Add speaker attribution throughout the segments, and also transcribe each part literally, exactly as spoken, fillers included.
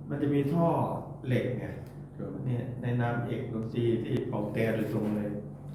Speaker 1: มันจะมีท่อเหล็กไงเนี่ยในนามเอกดนตรีที่เป่าแต่โดยตรงเลย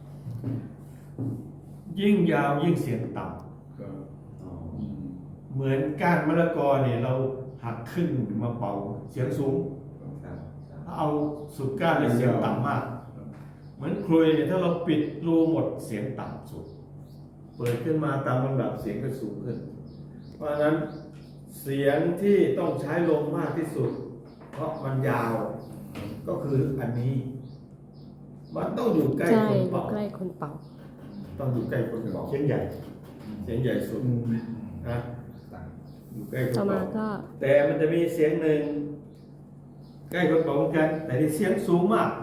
Speaker 1: ยิ่งยาวยิ่งเสียงต่ำเหมือนก้านมะละกอเนี่ยเราหักครึ่งมาเป่าเสียงสูงถ้าเอาสุดก้านเลยเสียงต่ำมากเหมือนครุยเนี่ยถ้าเราปิดรูหมดเสียงต่ำสุดเปิดขึ้นมาตามลำดับเสียงก็สูงขึ้นเพราะฉะนั้นเสียงที่ต้องใช้ลมมากที่สุดเพราะมันยาวก็คืออันนี้มันต้องอยู่ใกล้คนเป่า
Speaker 2: ใกล้คนเป่า
Speaker 1: ต้องอยู่ใกล้คนเป่าเสียงใหญ่เสียงใหญ่สุดนะอยู่ใกล้คนเป่าแต่มันจะมีเสียงหนึ่งใกล้คนเป่าเหมือนกันแต่ที่เสียงสูงมาก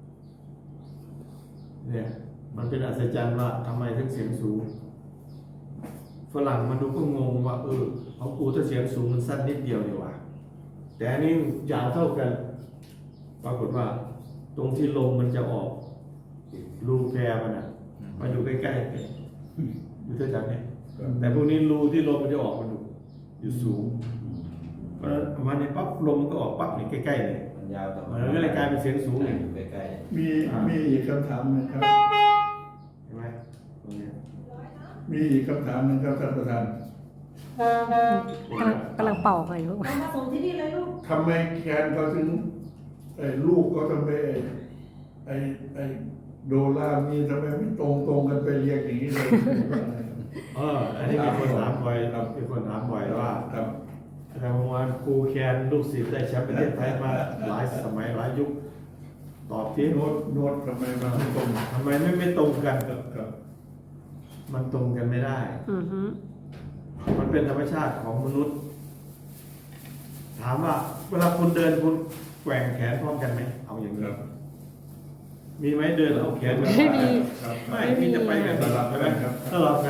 Speaker 1: เนี่ยมันเป็นอัศจรรย์ว่าทำไมถึงเสียงสูงฝรั่งมาดูก็งงว่าเออของกูถ้าเสียงสูงมันสั้นนิดเดียวนี่หว่าแต่อันนี้ยาวเท่ากันปรากฏว่าตรงที่ลมมันจะออกรูแพรมันอ่ะมาอยู่ใกล้ๆกันอยู่เท่ากันเนี่ยแต่พวกนี้รูที่ลมมันจะออกมันอยู่สูงเพราะฉะนั้นมาในปั๊บลมมันก็ออกปั๊บนี่ใกล้ๆเนี่ย
Speaker 3: มันยาวต่อ
Speaker 1: มันก็เลยกลายเป็นเสียงสูงอยู่
Speaker 3: ใกล้
Speaker 4: ๆมีมีอีกคำถามหนึ่งครับ
Speaker 1: เห็นไหมตรงนี้
Speaker 4: มีอีกคำถามหนึ่งครับท่านประธาน
Speaker 2: กำลังกำลังเป่าไปลูก
Speaker 5: มาส่งที่นี่เลยลูก
Speaker 4: ทำไมแคนเขาถึงไอ้ลูกก็ทำไมไอ้ไอ้โดรามีทำไมไม่ตรงตรงกันไปเรียงอย่างนี้เลย
Speaker 1: เอออันนี้มีคนถามบ่อยครับมีคนถามบ่อยว่า
Speaker 4: ครับ
Speaker 1: อาจารย์ประมวลครูแคนลูกศิษย์ได้แชมป์ประเทศไทยมาหลายสมัยหลายยุคตอบที่
Speaker 4: โน้ตโน้ตทำไมมันไม่ตรง
Speaker 1: ทำไมไม่ไม่ตรงกันกับมันตรงกันไม่ได้มันเป็นธรรมชาติของมนุษย์ถามว่าเวลาคุณเดินคุณแกว่งแขนพร้อมกันไหมเอาอย่างนี้มีไหมเดินเอาแขนไม่มีไม่มีจะไปกันตลอดใช่ไหมตลอด